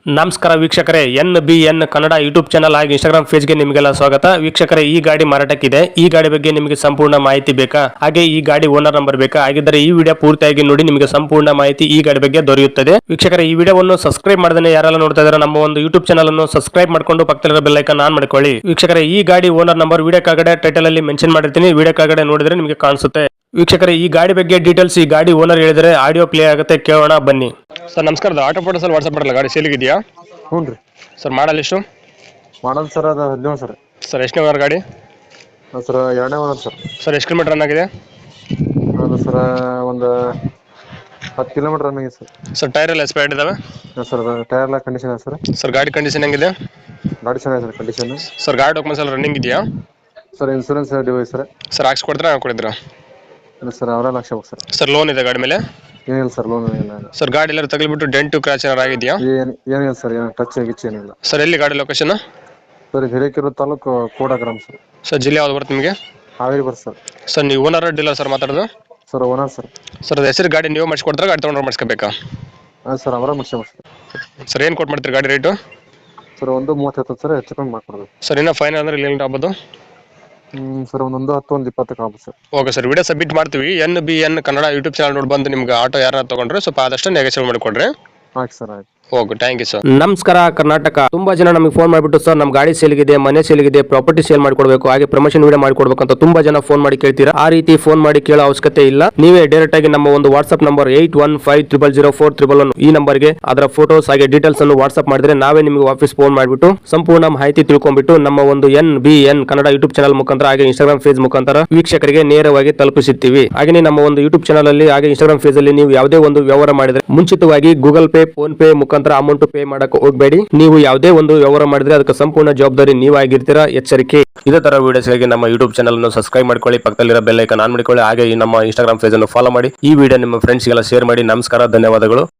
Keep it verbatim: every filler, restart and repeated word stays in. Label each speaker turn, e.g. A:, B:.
A: ನಮಸ್ಕಾರ ವೀಕ್ಷಕರೇ, N B N Kannada YouTube channel ಹಾಗೂ ಇನ್ಸ್ಟಾಗ್ರಾಮ್ ಪೇಜ್ಗೆ ನಿಮಗೆಲ್ಲ ಸ್ವಾಗತ. ವೀಕ್ಷಕರೇ, ಈ ಗಾಡಿ ಮಾರಾಟಕ್ಕಿದೆ. ಈ ಗಾಡಿ ಬಗ್ಗೆ ನಿಮಗೆ ಸಂಪೂರ್ಣ ಮಾಹಿತಿ ಬೇಕಾ? ಹಾಗೆ ಈ ಗಾಡಿ ಓನರ್ ನಂಬರ್ ಬೇಕಾ? ಹಾಗಿದ್ದರೆ ಈ ವಿಡಿಯೋ ಪೂರ್ತಿಯಾಗಿ ನೋಡಿ, ನಿಮಗೆ ಸಂಪೂರ್ಣ ಮಾಹಿತಿ ಈ ಗಾಡಿ ಬಗ್ಗೆ ದೊರೆಯುತ್ತದೆ. ವೀಕ್ಷಕರೇ, ಈ ವಿಡಿಯೋವನ್ನು ಸಬ್ಸ್ಕ್ರೈಬ್ ಮಾಡದೇ ಯಾರೆಲ್ಲ ನೋಡ್ತಾ ಇದ್ದಾರೆ ನಮ್ಮ ಒಂದು ಯೂಟ್ಯೂಬ್ ಚಾನಲ್ ಅನ್ನು ಸಬ್ಸ್ಕ್ರೈಬ್ ಮಾಡ್ಕೊಂಡು ಪಕ್ಕದಲ್ಲಿರೋ ಬೆಲ್ ಐಕಾನ್ ಆನ್ ಮಾಡ್ಕೊಳ್ಳಿ. ವೀಕ್ಷಕರೇ, ಈ ಗಾಡಿ ಓನರ್ ನಂಬರ್ ವಿಡಿಯೋ ಕೆಳಗಡೆ ಟೈಟಲ್ ಅಲ್ಲಿ ಮೆನ್ಷನ್ ಮಾಡಿರ್ತೀನಿ, ವಿಡಿಯೋ ಕೆಳಗಡೆ ನೋಡಿದ್ರೆ ನಿಮಗೆ ಕಾಣಿಸುತ್ತೆ. ವೀಕ್ಷಕರೇ, ಈ ಗಾಡಿ ಬಗ್ಗೆ ಡೀಟೇಲ್ಸ್ ಈ ಗಾಡಿ ಓನರ್ ಹೇಳಿದರೆ ಆಡಿಯೋ ಪ್ಲೇ ಆಗುತ್ತೆ, ಕೇಳೋಣ ಬನ್ನಿ. ಸರ್ ನಮಸ್ಕಾರ, ಆಟೋ ಫೋಟೋಸ್ ಅಲ್ಲಿ ವಾಟ್ಸ್ಆಪ್ ಮಾಡಲ್ಲ, ಗಾಡಿ ಸೇಲಿಗಿದೆಯಾ?
B: ಹ್ಞೂ ರೀ
A: ಸರ್ ಮಾಡಲ್ ಎಷ್ಟು?
B: ಮಾಡಲ್ ಸರ್ ಅದು ಹದಿನೇಳು ಸರ್.
A: ಸರ್ ಎಷ್ಟನೇ ಓನರ್ ಗಾಡಿ?
B: ಸರ್ ಎರಡನೇ ಓನರ್ ಸರ್.
A: ಸರ್ ಎಷ್ಟು ಕಿಲೋಮೀಟರ್ ರನ್ ಆಗಿದೆ?
B: ಅದು ಸರ್ ಒಂದು ಹತ್ತು ಕಿಲೋಮೀಟರ್ ರನ್ ಆಗಿದೆ ಸರ್.
A: ಸರ್ ಟೈರ್ ಎಲ್ಲ ಎಕ್ಸ್ಪೈರ್ಡ್ ಇದಾವೆ?
B: ಸರ್ ಟೈರ್ ಎಲ್ಲ ಕಂಡೀಷನ್ ಇದೆ ಸರ್.
A: ಸರ್ ಗಾಡಿ ಕಂಡೀಷನ್ ಹೆಂಗಿದೆ?
B: ಗಾಡಿ ಚೆನ್ನಾಗಿದೆ ಸರ್ ಕಂಡೀಷನ್.
A: ಸರ್ ಗಾಡಿ ಡಾಕ್ಯುಮೆಂಟ್ಸ್ ಎಲ್ಲ ರನ್ನಿಂಗ್ ಇದೆಯಾ?
B: Sir insurance device sir.
A: Sir ಹಾಕ್ಸ್ಕೊಡ್ತೀರಾ ಹಾಕೊಡಿದ್ರಾ?
B: ಇಲ್ಲ ಸರ್ ಅವರೇ ಲಕ್ಷ ಬೇಕು ಸರ್.
A: ಸರ್ ಲೋನ್ ಇದೆ ಗಾಡಿ ಮೇಲೆ?
B: ಏನಿಲ್ಲ ಸರ್, ಲೋನ್ ಏನಿಲ್ಲ.
A: ಸರ್ ಗಾಡಿ ಎಲ್ಲ ತಗಲಿಬಿಟ್ಟು ಡೆಂಟು ಕ್ರಾಚ್ ಏನಾರು ಆಗಿದೆಯಾ?
B: ಏನು ಏನಿಲ್ಲ ಸರ್, ಏನು ಟಚ್ ಗಿಚ್ ಏನಿಲ್ಲ.
A: ಸರ್ ಎಲ್ಲಿ ಗಾಡಿ location?
B: Sir Hirekerur taluk Kodagram sir.
A: Sir ಜಿಲ್ಲೆ ಯಾವ್ದು ಬರುತ್ತೆ ನಿಮಗೆ?
B: ಹಾವೇರಿ ಬರ್ ಸರ್.
A: ಸರ್ ನೀವು ಓನರ್ ಡೀಲರ್ ಸರ್ ಮಾತಾಡೋದು?
B: Sir owner sir.
A: ಸರ್ ಅದು ಹೆಸರು ಗಾಡಿ ನೀವು ಮಾಡಿಸ್ಕೊಡ್ತಾರೆ, ಗಾಡಿ ತೊಗೊಂಡ್ರೆ ಮಾಡಿಸ್ಕೋಬೇಕಾ?
B: ಹಾಂ ಸರ್ ಅವರೇ ಮುಗಿಸ ಸರ್.
A: ಸರ್ ಏನು ಕೊಟ್ಟು ಮಾಡ್ತೀರಿ ಗಾಡಿ ರೇಟು?
B: ಸರ್ ಒಂದು ಮೂವತ್ತೈದು ಸರ್, ಹೆಚ್ಚು ಕಮ್ಮಿ ಮಾಡ್ಕೊಡೋದು.
A: ಸರ್ ಇನ್ನೂ ಫೈನಲ್ ಅಂದ್ರೆ ಇಲ್ಲಿ ಆಗ್ಬೋದು?
B: ಹ್ಞೂ ಸರ್ ಒಂದೊಂದು ಹತ್ತು ಒಂದು ಇಪ್ಪತ್ತಕ್ಕೆ ಆಗ್ಬೋದು sir.
A: Okay sir, video submit ಮಾಡ್ತೀವಿ. N B N Kannada YouTube channel ನೋಡಿ ಬಂದು ನಿಮ್ಗೆ ಆಟೋ ಯಾರನ್ನ ತೊಗೊಂಡ್ರೆ ಸ್ವಲ್ಪ ಆದಷ್ಟು ನೆಗೋಷಿಯೇಟ್ ಮಾಡಿಕೊಡ್ರಿ.
B: ಆಯ್ತು ಸರ್, ಆಯ್ತು.
A: Okay, thank you sir. ನಮಸ್ಕಾರ ಕರ್ನಾಟಕ. ತುಂಬಾ ಜನ ನಮಗೆ ಫೋನ್ ಮಾಡಿಬಿಟ್ಟು ಸರ್ ನಮ್ಮ ಗಾಡಿ ಸೇಲ್ಗಿದೆ, ಮನೆ ಸೇಲ್ಗಿದೆ, ಪ್ರಾಪರ್ಟಿ ಸೇಲ್ ಮಾಡ್ಕೊಡ್ಬೇಕು, ಹಾಗೆ ಪ್ರಮೋಷನ್ ವಿಡಿಯೋ ಮಾಡ್ಕೊಡ್ಬೇಕು ಅಂತ ತುಂಬಾ ಜನ ಫೋನ್ ಮಾಡಿ ಕೇಳ್ತೀರಾ. ಆ ರೀತಿ ಫೋನ್ ಮಾಡಿ ಕೇಳೋ ಅವಶ್ಯಕತೆ ಇಲ್ಲ. ನೀವೇ ಡೈರೆಕ್ಟ್ ಆಗಿ ನಮ್ಮ ಒಂದು WhatsApp number eight one five triple zero four triple one ಈ ನಂಬರ್ಗೆ ಅದರ ಫೋಟೋಸ್ ಹಾಗೆ ಡೀಟೇಲ್ಸ್ ಅನ್ನು ವಾಟ್ಸ್ಆಪ್ ಮಾಡಿದ್ರೆ ನಾವೇ ನಿಮಗೆ ವಾಪಸ್ ಫೋನ್ ಮಾಡಿಬಿಟ್ಟು ಸಂಪೂರ್ಣ ಮಾಹಿತಿ ತಿಳ್ಕೊಂಡ್ಬಿಟ್ಟು ನಮ್ಮ ಒಂದು N B N Kannada YouTube channel ಮುಖಾಂತರ ಹಾಗೆ ಇನ್ಸ್ಟಾಗ್ರಾಮ್ ಪೇಜ್ ಮುಖಾಂತರ ವೀಕ್ಷಕರಿಗೆ ನೇರವಾಗಿ ತಲುಪಿಸುತ್ತೀವಿ. ಹಾಗೆ ನಮ್ಮ ಒಂದು ಯೂಟ್ಯೂಬ್ ಚಾನಲ್ ಅಲ್ಲಿ ಹಾಗೆ ಇನ್ಸ್ಟಾಗ್ರಾಮ್ ಪೇಜ್ ಅಲ್ಲಿ ನೀವು ಯಾವುದೇ ಒಂದು ವ್ಯವಹಾರ ಮಾಡಿದ್ರೆ ಮುಂಚಿತವಾಗಿ ಗೂಗಲ್ ಪೇ, ಫೋನ್ ಪೇ ಮುಖಾಂತರ ಅಮೌಂಟ್ ಪೇ ಮಾಡಕ್ಕೆ ಹೋಗಬೇಡಿ. ನೀವು ಯಾವುದೇ ಒಂದು ವ್ಯವಹಾರ ಮಾಡಿದ್ರೆ ಅದಕ್ಕೆ ಸಂಪೂರ್ಣ ಜವಾಬ್ದಾರಿ ನೀವಾಗಿರ್ತೀರಾ, ಎಚ್ಚರಿಕೆ. ಇದೇ ತರ ವಿಡಿಯೋಸ್ಗಾಗಿ ನಮ್ಮ ಯೂಟ್ಯೂಬ್ ಚಾನಲ್ ಅನ್ನು ಸಬ್ಸ್ಕ್ರೈಬ್ ಮಾಡ್ಕೊಳ್ಳಿ, ಪಕ್ಕದಲ್ಲಿರೋ ಬೆಲ್ ಐಕಾನ್ ಆನ್ ಮಾಡಿಕೊಳ್ಳಿ, ಹಾಗೆ ಈ ನಮ್ಮ ಇನ್ಸ್ಟಾಗ್ರಾಮ್ ಪೇಜ್ ಅನ್ನು ಫಾಲೋ ಮಾಡಿ. ಈ ವಿಡಿಯೋ ನಿಮ್ಮ ಫ್ರೆಂಡ್ಸ್ಗೆಲ್ಲ ಶೇರ್ ಮಾಡಿ. ನಮಸ್ಕಾರ, ಧನ್ಯವಾದಗಳು.